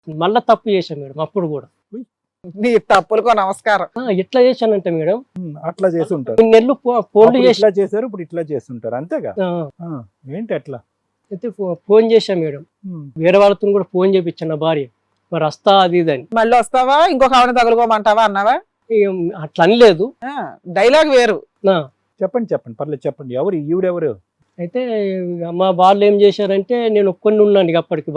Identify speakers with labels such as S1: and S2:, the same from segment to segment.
S1: మళ్ళా తప్పు చేశాను మేడం అప్పుడు కూడా.
S2: నీ తప్పులకు నమస్కారం.
S1: ఎట్లా చేశానంటే మేడం,
S3: అట్లా చేసి ఉంటారు.
S1: కొన్ని నెలలు ఫోన్లు చేసి
S3: ఇట్లా చేశారు, ఇప్పుడు ఇట్లా చేస్తుంటారు అంతేగా. ఏంటి అట్లా
S1: అయితే ఫోన్ చేశాను మేడం, వేరే వాళ్ళతో కూడా ఫోన్ చేపించాను నా భార్య, మరి వస్తా అది ఇది అని.
S2: మళ్ళీ వస్తావా ఇంకొక ఆవిడ తగులుకోమంటావా అన్నావా?
S1: అట్లా అనలేదు,
S2: డైలాగ్ వేరు.
S3: చెప్పండి పర్లేదు చెప్పండి. ఎవరు ఈవిడెవరు?
S1: అయితే మా వాళ్ళు ఏం చేశారంటే, నేను ఒక్కడిని ఉన్నాను ఇక అప్పటికి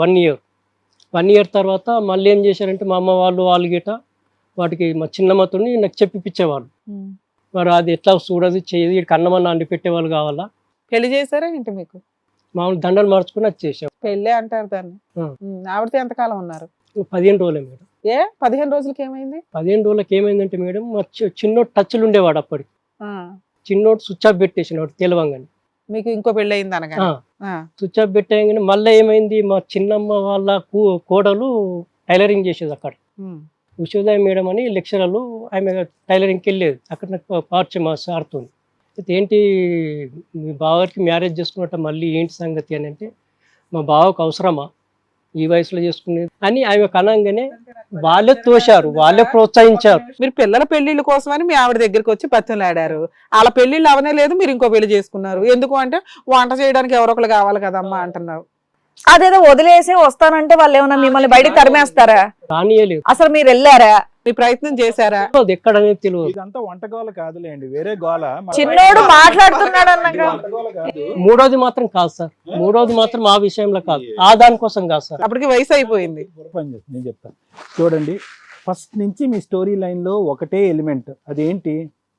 S1: 1 ఇయర్ తర్వాత మళ్ళీ ఏం చేశారంటే మా అమ్మ వాళ్ళు గిట వాటికి మా చిన్నమ్మతోని నాకు చెప్పిపించేవాళ్ళు. మరి అది ఎట్లా చూడదు చేయదు, ఇక్కడికి అన్నమన్న అండి పెట్టేవాళ్ళు కావాలా.
S2: పెళ్లి చేశారా ఏంటి మీకు?
S1: మామూలు దండలు మార్చుకుని అది చేసాం.
S2: పెళ్ళే అంటారు దాన్ని. ఆవిడతో ఎంతకాలం ఉన్నారు?
S1: 15 రోజులే మేడం.
S2: 15 రోజులకి ఏమైంది?
S1: 15 రోజులకి ఏమైందంటే మేడం, మా చిన్నోడు టచ్లు ఉండేవాడు అప్పటికి. చిన్నోడు స్విచ్ ఆఫ్ పెట్టేసినాడు తెలవంగానే.
S2: మీకు ఇంకో పెళ్ళి అయింది అనగా?
S1: స్విచ్ ఆఫ్ పెట్టేయగానే మళ్ళీ ఏమైంది, మా చిన్నమ్మ వాళ్ళ కోడలు టైలరింగ్ చేసేది అక్కడ. ఉషోదయ మేడం అని లెక్చరర్లు, ఆమె టైలరింగ్కి వెళ్ళేది. అక్కడ నాకు పరిచయం మా సార్తో. అయితే ఏంటి మీ బావకి మ్యారేజ్ చేసుకున్నట్ట మళ్ళీ ఏంటి సంగతి అని అంటే, మా బావకు అవసరమా ఈ వయసులో చేసుకునేది అని ఆమె కనంగానే వాళ్ళే తోశారు, వాళ్ళే ప్రోత్సహించారు.
S2: మీరు పిల్లల పెళ్లిళ్ళ కోసమని మీ ఆవిడ దగ్గరికి వచ్చి బతిమలాడారు. వాళ్ళ పెళ్లిళ్ళు అవనే లేదు, మీరు ఇంకో పెళ్లి చేసుకున్నారు. ఎందుకు అంటే వంట చేయడానికి ఎవరో ఒకరు కావాలి కదమ్మా అంటున్నారు.
S4: అదేదో వదిలేసి వస్తానంటే వాళ్ళు ఏమన్నా మిమ్మల్ని బయటికి తరిమేస్తారా?
S1: రానియలేదు.
S4: అసలు మీరు వెళ్ళారా?
S2: మీ ప్రయత్నం చేశారా?
S1: అది ఎక్కడనేది తెలియదు.
S3: ఇదంతా వంట గోల కాదులేండి, వేరే గోల.
S4: చిన్నోడు మాట్లాడుతున్నాడు అన్నాక
S1: మూడోది మాత్రం కాదు సార్, మూడోది మాత్రం ఆ విషయంలో కాదు, ఆ దానికోసం కాదు సార్.
S2: అప్పటికి వయసు అయిపోయింది.
S3: నేను చెప్తాను చూడండి. ఫస్ట్ నుంచి మీ స్టోరీ లైన్ లో ఒకటే ఎలిమెంట్, అదేంటి?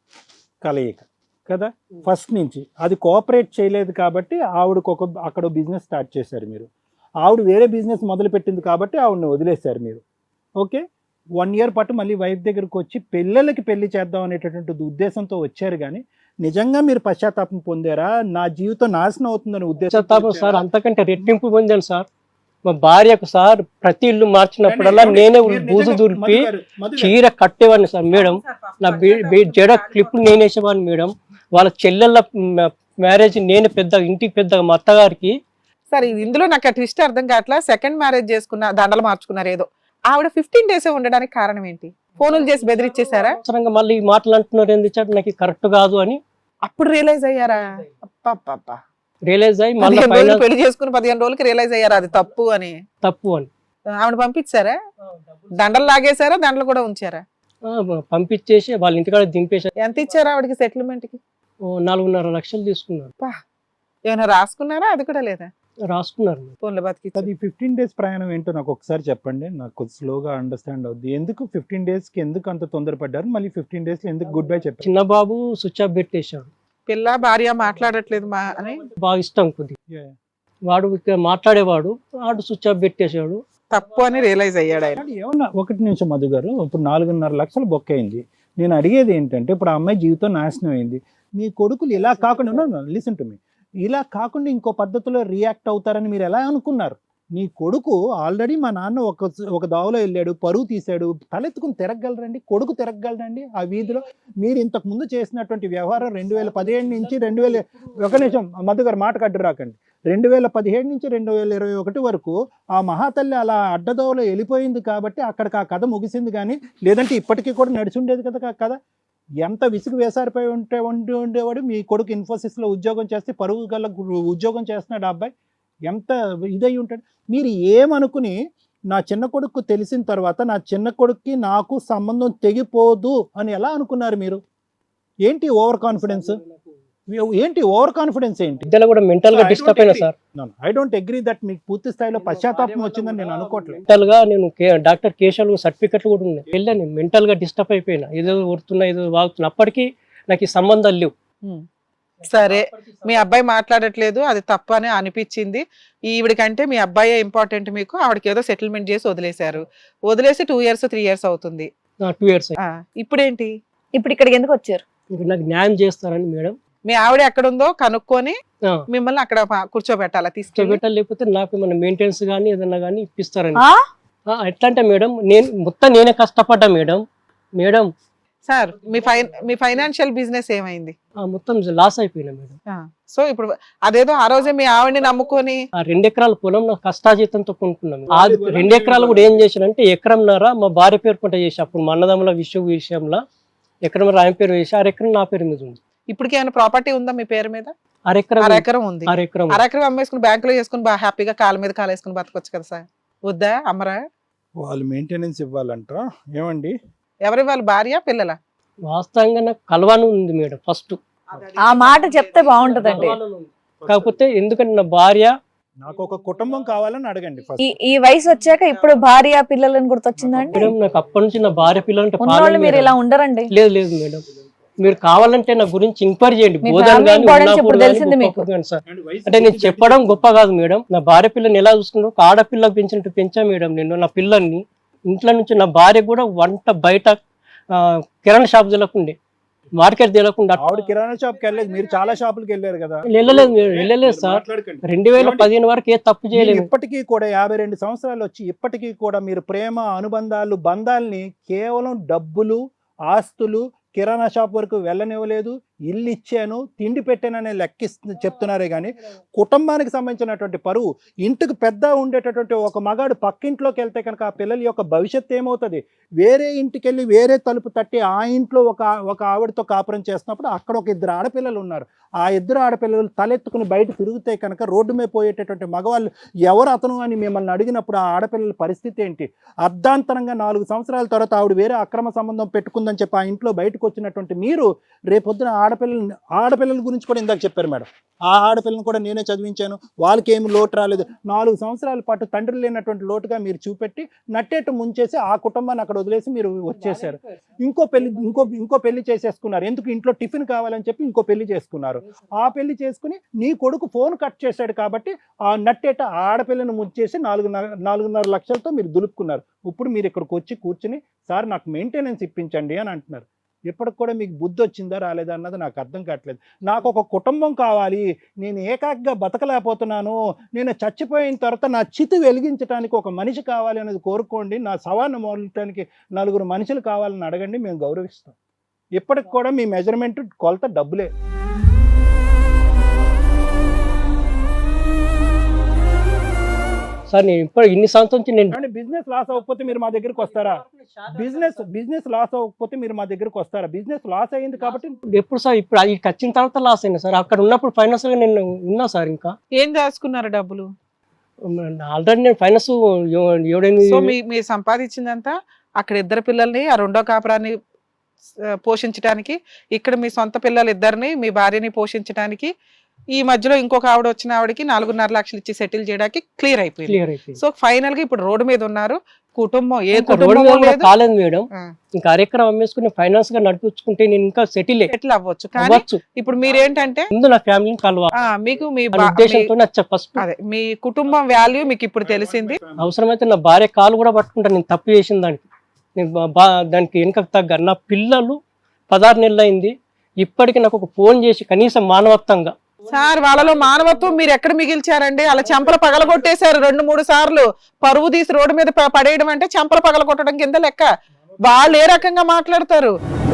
S3: కలయిక కదా. ఫస్ట్ నుంచి అది కోఆపరేట్ చేయలేదు కాబట్టి ఆవిడకు అక్కడ బిజినెస్ స్టార్ట్ చేశారు మీరు. ఆవిడ వేరే బిజినెస్ మొదలు పెట్టింది కాబట్టి ఆవిడని వదిలేశారు మీరు. ఓకే, 1 ఇయర్ పాటు మళ్ళీ వైఫ్ దగ్గరకు వచ్చి పిల్లలకి పెళ్లి చేద్దాం అనేటటువంటి ఉద్దేశంతో వచ్చారు. కానీ నిజంగా మీరు పశ్చాత్తాపం పొందారా? నా జీవితం నాశనం అవుతుందని
S1: పశ్చాత్తాపం సార్ అంతకంటే రెట్టింపు పొందాను సార్. మా భార్యకు సార్ ప్రతి ఇల్లు మార్చినప్పుడల్లా నేనే బూజు దులిపి చీర కట్టేవాడిని సార్ మేడం. నా జడ క్లిప్ నేనేసేవాడిని మేడం. వాళ్ళ చెల్లెళ్ళ మ్యారేజ్ నేనే ఇంటికి పెద్ద మా అత్తగారికి.
S2: సరే, ఇందులో నాకు ట్విస్ట్ అర్థం కావట్లా. సెకండ్ మ్యారేజ్ చేసుకున్న, దండలు మార్చుకున్నారు ఏదో, ఆవిడ 15 డేస్ ఉండడానికి కారణం ఏంటి? ఫోన్లు చేసి బెదిరించేశారా?
S1: అవసరంగా మళ్ళీ మాటలు అంటున్నారు ఎందుకు, నాకు కరెక్ట్ కాదు అని
S2: అప్పుడు రియలైజ్ అయ్యారా?
S1: రియలైజ్ అయ్యి మళ్ళీ
S2: పెళ్లి చేసుకుని 15 రోజులకి రియలైజ్ అయ్యారా అది తప్పు అని? ఆవిడ పంపించారా? దండలు లాగేశారా? దండలు కూడా ఉంచారా?
S1: పంపించేసి వాళ్ళ ఇంటికాడ దింపేశారు.
S2: ఎంత ఇచ్చారా ఆవిడకి సెటిల్మెంట్ కి?
S1: 4.5 లక్షలు తీసుకున్నారు.
S2: ఏమైనా రాసుకున్నారా? అది కూడా లేదా?
S1: రాసుకున్నారు.
S2: ఫోన్లో బతికి.
S3: అది 15 డేస్ ప్రయాణం ఏంటో నాకు ఒకసారి చెప్పండి, నాకు స్లోగా అండర్స్టాండ్ అవుద్ది. ఎందుకు 15 డేస్ కి ఎందుకు అంత తొందరపడ్డారు? మళ్ళీ 15 డేస్ లో ఎందుకు గుడ్ బై చెప్పారు?
S1: చిన్న బాబు స్విచ్ ఆఫ్ పెట్టేశాడు.
S2: పిల్ల భార్య మాట్లాడట్లేదు మా అని
S1: బాగా ఇష్టం కొద్ది, వాడు మాట్లాడేవాడు, వాడు స్విచ్ ఆఫ్ పెట్టేశాడు.
S2: తప్పు అని రియలైజ్ అయ్యాడు ఆయన.
S3: ఏమన్నా 1 నిమిషం మధు గారు, ఇప్పుడు 4.5 లక్షలు బొక్క అయింది. నేను అడిగేది ఏంటంటే, ఇప్పుడు ఆ అమ్మాయి జీవితం నాశనం అయింది. మీ కొడుకులు ఇలా కాకుండా, లిసన్ టు మీ, ఇలా కాకుండా ఇంకో పద్ధతిలో రియాక్ట్ అవుతారని మీరు ఎలా అనుకున్నారు? నీ కొడుకు ఆల్రెడీ మా నాన్న ఒక దావలో వెళ్ళాడు, పరువు తీశాడు, తలెత్తుకుని తిరగలరండి? కొడుకు తిరగలరండి ఆ వీధిలో? మీరు ఇంతకు ముందు చేసినటువంటి వ్యవహారం 2017 నుంచి 1 నిమిషం మధు గారు మాట కడ్డు రాకండి, 2017 నుంచి 2021 వరకు ఆ మహాతల్లి అలా అడ్డదోవలో వెళ్ళిపోయింది కాబట్టి అక్కడికి ఆ కథ ముగిసింది. కానీ లేదంటే ఇప్పటికీ కూడా నడిచి ఉండేది కదా కథ. ఎంత విసుగు వేసారిపోయి ఉండేవాడు. మీ కొడుకు ఇన్ఫోసిస్లో ఉద్యోగం చేస్తే పరువు గల ఉద్యోగం చేస్తున్నాడు ఆ అబ్బాయి. ఎంత ఇదై ఉంటాడు. మీరు ఏమనుకుని నా చిన్న కొడుకు తెలిసిన తర్వాత నా చిన్న కొడుక్కి నాకు సంబంధం తెగిపోదు అని ఎలా అనుకున్నారు మీరు? ఏంటి ఓవర్ కాన్ఫిడెన్స్? ఏంటి ఓవర్ కాన్ఫిడెన్స్? ఏంటి
S1: ఇద్దరు కూడా మెంటల్ గా డిస్టర్బ్ అయినా sir.
S3: I don't agree that మీకు పూర్తి స్థాయిలో పశ్చాత్తాపం వచ్చిందని నేను అనుకోవట్లేదు.
S1: మెంటల్ గా నేను డాక్టర్ కేశవ్ సర్టిఫికెట్లు కూడా ఉన్నాయి, వెళ్ళాను. మెంటల్ గా డిస్టర్బ్ అయిపోయినా, ఏదో ఊరుతున్నా ఏదో వాగుతున్నా. అప్పటికి నాకు ఈ సంబంధాలు లేవు.
S2: సరే, మీ అబ్బాయి మాట్లాడట్లేదు, అది తప్పు అని అనిపించింది. ఈవిడికంటే మీ అబ్బాయే ఇంపార్టెంట్ మీకు. ఆవిడకి ఏదో సెటిల్మెంట్ చేసి వదిలేశారు. వదిలేసి 2 ఇయర్స్ 3 ఇయర్స్ అవుతుంది.
S1: 2 ఇయర్స్.
S2: ఇప్పుడేంటి?
S4: ఇప్పుడు ఇక్కడికి ఎందుకు వచ్చారు?
S1: నాకు న్యాయం చేస్తారని మేడం.
S2: మీ ఆవిడ ఎక్కడుందో కనుక్కొని మిమ్మల్ని అక్కడ కూర్చోబెట్టాలా? తీసుకెళ్ళి
S1: లేకపోతే నాకు ఏమన్నా మెయింటెనెన్స్ కానీ ఏదన్నా కానీ ఇప్పిస్తారని. ఎట్లా అంటే మేడం, నేనే కష్టపడ్డా మేడం.
S2: సార్ మీ ఫైనాన్షియల్ బిజినెస్ ఏమైంది?
S1: మొత్తం లాస్ అయిపోయినా మేడం.
S2: సో ఇప్పుడు అదేదో ఆ రోజే మీ ఆవిడని నమ్ముకొని
S1: ఆ 2 ఎకరాల పొలం నాకు కష్టాజీతంతో కొనుక్కున్నాం. ఆ 2 ఎకరాలు కూడా ఏం చేశానంటే ఎకరంన్నర మా భార్య పేరు పంట చేసి, అప్పుడు మా అన్నదమ్ముల విషయంలో ఎకరం ఆయన పేరు వేసి 6 ఎకరం నా పేరు మీద ఉంది.
S2: ఇప్పటికి ఏమైనా ప్రాపర్టీ ఉందా మీ పేరు మీద?
S1: 6 ఎకరం
S2: ఉంది.
S1: 6 ఎకరం
S2: 6 అమ్మేసుకుని బ్యాంకులో చేసుకుని బాగా హ్యాపీగా కాళ్ళ మీద కాలు వేసుకుని బతకొచ్చు కదా సార్. వద్దా అమ్మరా?
S3: వాళ్ళు మెయింటెనెన్స్ ఇవ్వాలంట. ఏమండి
S2: ఎవరి వాళ్ళ భార్య పిల్లల?
S1: వాస్తవంగా నాకు కలవాను ఉంది మేడం ఫస్ట్.
S4: ఆ మాట చెప్తే బాగుంటదండి.
S1: కాకపోతే ఎందుకంటే నా భార్య
S3: నాకు ఒక కుటుంబం కావాలని అడగండి ఫస్ట్.
S4: ఈ వయసు వచ్చాక ఇప్పుడు భార్య పిల్లలని గుర్తొచ్చిందండి.
S1: మేడం నాకు అప్పటి నుంచి నా భార్య పిల్లలంటే
S4: ఉన్నోళ్ళు
S1: ప్రాణం
S4: మీరు
S1: మేడం.
S4: ఇలా ఉండరండి.
S1: లేదు మేడం, మీరు కావాలంటే నా గురించి ఎంక్వైరీ చేయండి.
S4: మీ
S1: బోధన
S4: family
S1: గాని,
S4: importance
S1: ఉన్నాపూర్
S4: ఇప్పుడు
S1: గాని,
S4: తెలిసింది మీకు.
S1: గొప్ప గాని సార్. అంటే నేను చెప్పడం గొప్ప కాదు మేడం. నా భార్య పిల్లని ఎలా చూసుకుంటూ ఒక ఆడపిల్లకు పెంచినట్టు పెంచా మేడం నేను నా పిల్లల్ని. ఇంట్లో నుంచి నా భార్య కూడా వంట బయట కిరాణా షాప్ తెలకుండే, మార్కెట్ తెలకుండా.
S3: ఆవిడ కిరాణా షాప్ కి వెళ్ళలేదు, మీరు చాలా షాపులకి వెళ్ళారు కదా.
S1: వెళ్ళలేదు సార్. 2015 వరకు ఏ తప్పు చేయలేదు.
S3: ఇప్పటికీ కూడా 52 సంవత్సరాలు వచ్చి ఇప్పటికీ కూడా మీరు ప్రేమ, అనుబంధాలు, బంధాలని కేవలం డబ్బులు, ఆస్తులు, కిరాణా షాప్ వరకు వెళ్ళనివ్వలేదు. ఇల్లు ఇచ్చాను, తిండి పెట్టాననే చెప్తున్నారే కానీ కుటుంబానికి సంబంధించినటువంటి పరువు, ఇంటికి పెద్ద ఉండేటటువంటి ఒక మగాడు పక్కింట్లోకి వెళ్తే కనుక ఆ పిల్లల యొక్క భవిష్యత్తు ఏమవుతుంది? వేరే ఇంటికి వెళ్ళి వేరే తలుపు తట్టి ఆ ఇంట్లో ఒక ఆవిడతో కాపురం చేస్తున్నప్పుడు అక్కడ ఒక 2 ఆడపిల్లలు ఉన్నారు. ఆ 2 ఆడపిల్లలు తలెత్తుకుని బయట తిరిగితే కనుక రోడ్డు మీద పోయేటటువంటి మగవాళ్ళు ఎవరు అతను అని మిమ్మల్ని అడిగినప్పుడు ఆ ఆడపిల్లల పరిస్థితి ఏంటి? అర్ధాంతరంగా 4 సంవత్సరాల తర్వాత ఆవిడ వేరే అక్రమ సంబంధం పెట్టుకుందని చెప్పి ఆ ఇంట్లో బయటకు వచ్చినటువంటి మీరు రేపొద్దున ఆడపిల్లల గురించి కూడా ఇందాక చెప్పారు మేడం. ఆ ఆడపిల్లని కూడా నేనే చదివించాను, వాళ్ళకి ఏమి లోటు రాలేదు. 4 సంవత్సరాల పాటు తండ్రి లేనటువంటి లోటుగా మీరు చూపెట్టి నట్టేట్టు ముంచేసి ఆ కుటుంబాన్ని అక్కడ వదిలేసి మీరు వచ్చేసారు. ఇంకో పెళ్లి చేసేసుకున్నారు. ఎందుకు? ఇంట్లో టిఫిన్ కావాలని చెప్పి ఇంకో పెళ్లి చేసుకున్నారు. ఆ పెళ్లి చేసుకుని నీ కొడుకు ఫోన్ కట్ చేశాడు కాబట్టి ఆ నట్టేట ఆడపిల్లని ముంచేసి 4.5 లక్షలతో మీరు దులుపుకున్నారు. ఇప్పుడు మీరు ఇక్కడికి వచ్చి కూర్చుని సార్ నాకు మెయింటెనెన్స్ ఇప్పించండి అని అంటున్నారు. ఇప్పటికి కూడా మీకు బుద్ధి వచ్చిందా రాలేదా అన్నది నాకు అర్థం కావట్లేదు. నాకు ఒక కుటుంబం కావాలి, నేను ఏకాకిగా బతకలేకపోతున్నాను, నేను చచ్చిపోయిన తర్వాత నా చితి వెలిగించడానికి ఒక మనిషి కావాలి అనేది కోరుకోండి. నా సవాన్ని మోయటానికి 4 మనుషులు కావాలని అడగండి, మేము గౌరవిస్తాం. ఇప్పటికి కూడా మీ మెజర్మెంట్ కొలత డబ్బులే.
S1: సార్ నేను ఇప్పుడు ఇన్ని సంవత్సరం నుంచి నేను
S3: బిజినెస్ లాస్ అవ్వకపోతే మీరు మా దగ్గరికి వస్తారా? బిజినెస్ లాస్ అవ్వకపోతే మీరు మా దగ్గరికి వస్తారా? బిజినెస్ లాస్ అయ్యింది కాబట్టి
S1: ఎప్పుడు సార్ ఇప్పుడు అది వచ్చిన తర్వాత లాస్ అయినా సార్. అక్కడ ఉన్నప్పుడు ఫైనాన్స్ గా నేను ఉన్నా సార్. ఇంకా
S2: ఏం దాచుకున్నారు డబ్బులు?
S1: ఆల్రెడీ నేను ఫైనాన్స్
S2: సో మీరు సంపాదించిందంతా అక్కడ 2 పిల్లల్ని, ఆ 2వ కాపురాన్ని పోషించడానికి, ఇక్కడ మీ సొంత పిల్లలు 2ని, మీ భార్యని పోషించడానికి, ఈ మధ్యలో ఇంకొక ఆవిడ వచ్చిన ఆవిడకి 4.5 లక్షలు ఇచ్చి సెటిల్ చేయడానికి క్లియర్ అయిపోయింది. సో ఫైనల్ గా ఇప్పుడు రోడ్డు మీద ఉన్నారు. కుటుంబం
S1: కాలేదు మేడం. ఇంకా 6 ఎకరం అమ్మేసుకుని ఫైనాన్స్ గా నడిపించుకుంటే నేను ఇంకా సెటిల్
S2: అవ్వచ్చు. కానీ ఇప్పుడు మీరేంటంటే
S1: ముందు నా ఫ్యామిలీని కలవాలి,
S2: మీకు మీ
S1: ఉద్దేశంతో ఫస్ట్
S2: అదే మీ కుటుంబం వాల్యూ మీకు ఇప్పుడు తెలిసింది.
S1: అవసరమైతే నా భార్య కాలు కూడా పట్టుకుంటాను నేను తప్పు చేసిన దానికి. నేను దానికి వెనుక తగ్గ నా పిల్లలు 16 నెలలు అయింది. ఇప్పటికీ నాకు ఒక ఫోన్ చేసి కనీసం మానవత్వంగా
S2: సార్ వాళ్ళలో మానవత్వం మీరు ఎక్కడ మిగిల్చారండి? అలా చెంపల పగలగొట్టేశారు 2-3 సార్లు. పరువు తీసి రోడ్డు మీద పడేయడం అంటే చెంపల పగలగొట్టడం కింద లెక్క. వాళ్ళు ఏ రకంగా మాట్లాడతారు?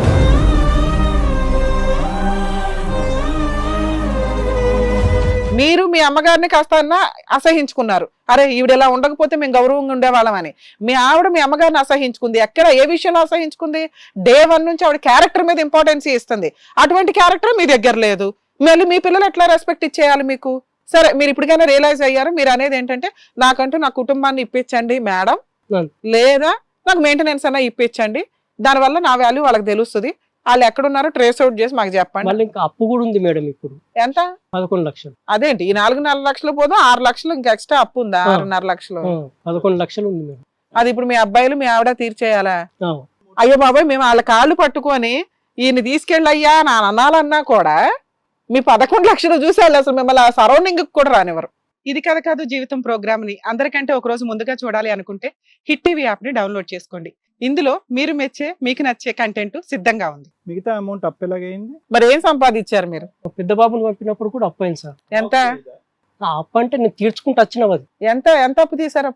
S2: మీరు మీ అమ్మగారిని కాస్త అసహించుకున్నారు. అరే ఈవిడ ఎలా ఉండకపోతే మేము గౌరవంగా ఉండేవాళ్ళం అని. మీ ఆవిడ మీ అమ్మగారిని అసహించుకుంది. ఎక్కడ ఏ విషయంలో అసహించుకుంది? Day 1 నుంచి ఆవిడ క్యారెక్టర్ మీద ఇంపార్టెన్స్ ఇస్తుంది. అటువంటి క్యారెక్టర్ మీ దగ్గర లేదు. మళ్ళీ మీ పిల్లలు ఎట్లా రెస్పెక్ట్ ఇచ్చేయాలి మీకు? సరే మీరు ఇప్పటికైనా రియలైజ్ అయ్యారు. మీరు అనేది ఏంటంటే నాకంటూ నా కుటుంబాన్ని ఇప్పించండి మేడం, లేదా నాకు మెయింటెనెన్స్ అన్నా ఇప్పించండి, దానివల్ల నా వాల్యూ వాళ్ళకి తెలుస్తుంది, వాళ్ళు ఎక్కడున్నారో ట్రేస్ అవుట్ చేసి మాకు చెప్పండి.
S1: మళ్ళీ ఇంకా అప్పు కూడా ఉంది మేడం. ఇప్పుడు
S2: ఎంత?
S1: 11 లక్షలు.
S2: అదేంటి ఈ 4.5 లక్షలు పోదు 6 లక్షలు ఇంకా ఎక్స్ట్రా అప్పు ఉందా? 6.5 లక్షలు
S1: 11 లక్షలు ఉంది మేడం.
S2: అది ఇప్పుడు మీ అబ్బాయిలు మీ ఆవిడ తీర్చేయాలా? అయ్యో బాబాయ్ మేము వాళ్ళ కాళ్ళు పట్టుకొని ఈయన తీసుకెళ్ళయ్యా నా అనాలన్నా కూడా మీ 11 లక్షలు చూసేయాలి. అసలు మిమ్మల్ని ఆ సరౌండింగ్ కూడా రానివ్వరు. ఇది కథ కాదు జీవితం ప్రోగ్రామ్ ని అందరికంటే ఒక రోజు ముందుగా చూడాలి అనుకుంటే హిట్ టీవీ యాప్ ని డౌన్లోడ్ చేసుకోండి. ఇందులో మీరు మెచ్చే మీకు నచ్చే కంటెంట్ సిద్ధంగా ఉంది.
S3: మిగతా అమౌంట్ అప్పు ఎలాగైంది?
S2: మరి ఏం సంపాదించారు మీరు?
S1: పెద్ద బాబుని పంపినప్పుడు కూడా అప్పు అయింది సార్.
S2: ఎంత?
S1: ఆ అప్పు అంటే నేను తీర్చుకుంటూ వచ్చిన
S2: ఎంత అప్పు తీసారు అప్పుడు?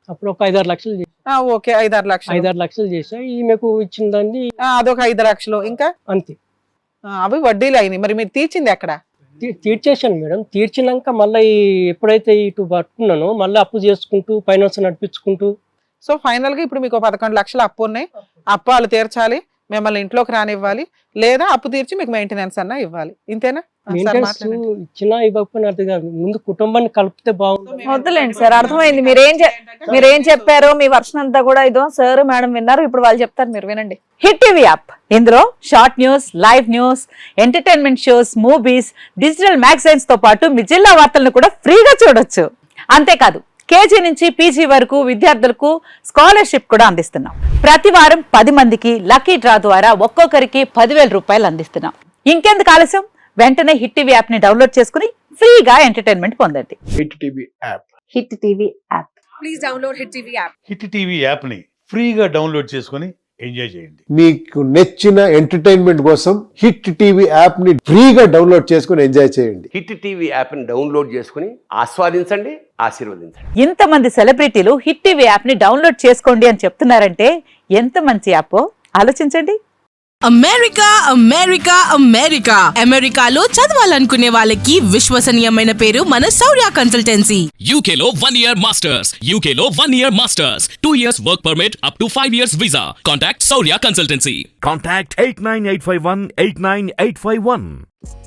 S1: అప్పుడు ఒక 5-6 లక్షలు
S2: ఓకే 5-6 లక్షలు
S1: 5-6 లక్షలు చేసా. ఈమెకు ఇచ్చిన దాన్ని
S2: అదొక 5 లక్షలు ఇంకా
S1: అంతే.
S2: అవి వడ్డీలు అయినాయి. మరి మీరు తీర్చింది ఎక్కడ?
S1: తీర్చేశాను మేడం. తీర్చినాక మళ్ళీ ఎప్పుడైతే ఇటు పట్టుకున్నానో మళ్ళీ అప్పు చేసుకుంటూ ఫైనాన్స్ నడిపించుకుంటూ.
S2: సో ఫైనల్ గా ఇప్పుడు మీకు 11 లక్షలు అప్పు ఉన్నాయి. అప్పు వాళ్ళు తీర్చాలి, మిమ్మల్ని ఇంట్లోకి రానివ్వాలి, లేదా అప్పు తీర్చి మీకు మెయింటెనెన్స్ అన్నా ఇవ్వాలి. ఇంతేనా?
S1: మెయింటెనెన్స్ ఇచ్చినా ఇవ్వకపోయినా అర్థం కాదు. ముందు కుటుంబాన్ని కలిపితే బాగుంటుంది.
S4: వద్దులేండి సార్, అర్థమైంది. మీరేం చెప్పారో మీ వర్షన్ అంతా కూడా ఇదో సార్ మేడం విన్నారు. ఇప్పుడు వాళ్ళు చెప్తారు, మీరు వినండి. హిట్ టీవీ యాప్, ఇందులో short news, live news, entertainment shows, movies, digital magazines తో పాటు మీ జిల్లా వార్తలను కూడా ఫ్రీగా చూడొచ్చు. అంతేకాదు కేజీ నుంచి పీజీ వరకు విద్యార్థులకు స్కాలర్షిప్ కూడా అందిస్తున్నాం. ప్రతి వారం 10 మందికి లక్కీ డ్రా ద్వారా ఒక్కొక్కరికి 10,000 రూపాయలు అందిస్తున్నాం. ఇంకెందుకు ఆలస్యం, వెంటనే హిట్ టీవీ యాప్ ని డౌన్లోడ్ చేసుకుని ఫ్రీగా ఎంటర్టైన్మెంట్ పొందండి.
S5: Hit TV app.
S4: Hit TV app.
S6: Please download hit TV app.
S7: Hit TV app ని ఫ్రీగా డౌన్లోడ్ చేసుకొని ఎంజాయ్ చేయండి.
S5: మీకు నచ్చిన ఎంటర్టైన్మెంట్ కోసం హిట్ టీవీ యాప్ ని ఫ్రీగా డౌన్లోడ్ చేసుకొని ఎంజాయ్ చేయండి.
S8: హిట్ టీవీ యాప్ ని డౌన్లోడ్ చేసుకుని ఆస్వాదించండి, ఆశీర్వదించండి.
S4: ఇంతమంది సెలబ్రిటీలు హిట్ టీవీ యాప్ ని డౌన్లోడ్ చేసుకోండి అని చెప్తున్నారంటే ఎంత మంచి యాప్ ఆలోచించండి.
S6: అమెరికా అమెరికా అమెరికా అమెరికాలో చదవాలనుకునే వాళ్ళకి విశ్వసనీయమైన పేరు మన శౌర్య కన్సల్టెన్సీ.
S9: UK లో 1 year masters. UK లో 1 year masters. 2 years work permit up to 5 years visa. Contact Saurya Consultancy.
S10: Contact 89851 89851.